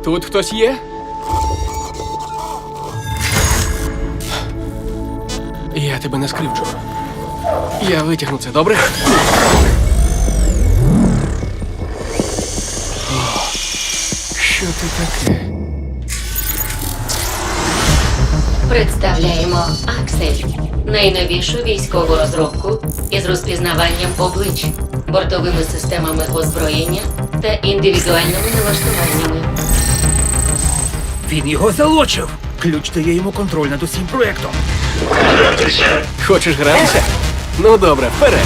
Тут хтось є? Я тебе не скривджу. Я витягну це, добре? О, що ти таке? Представляємо Аксель. Найновішу військову розробку із розпізнаванням облич, бортовими системами озброєння та індивідуальними налаштуваннями. Він його залочив. Ключ дає йому контроль над усім проєктом. Хочеш гратися? Ну добре, вперед.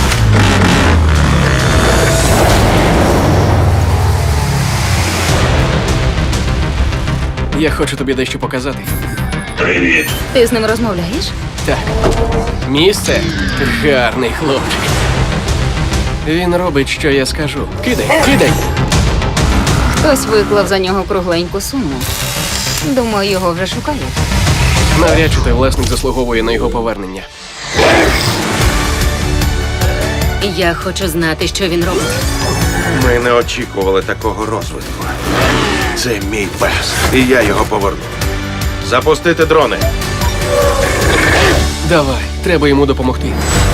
Я хочу тобі дещо показати. Ти з ним розмовляєш? Так. Місце гарний хлопчик. Він робить, що я скажу. Кидай, кидай! Хтось виклав за нього кругленьку суму. Думаю, його вже шукають. Навряд чи той власник заслуговує на його повернення. Я хочу знати, що він робить. Ми не очікували такого розвитку. Це мій пес, і я його поверну. Запустити дрони. Давай, треба йому допомогти.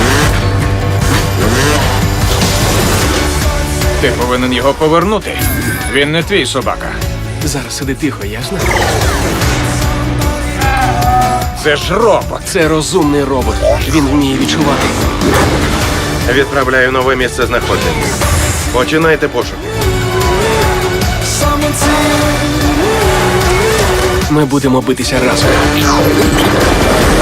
Ти повинен його повернути. Він не твій собака. Зараз сиди тихо, ясно? Це ж робот. Це розумний робот. Він вміє відчувати. Відправляю нове місце знаходження. Починайте пошуки. Ми будемо битися разом.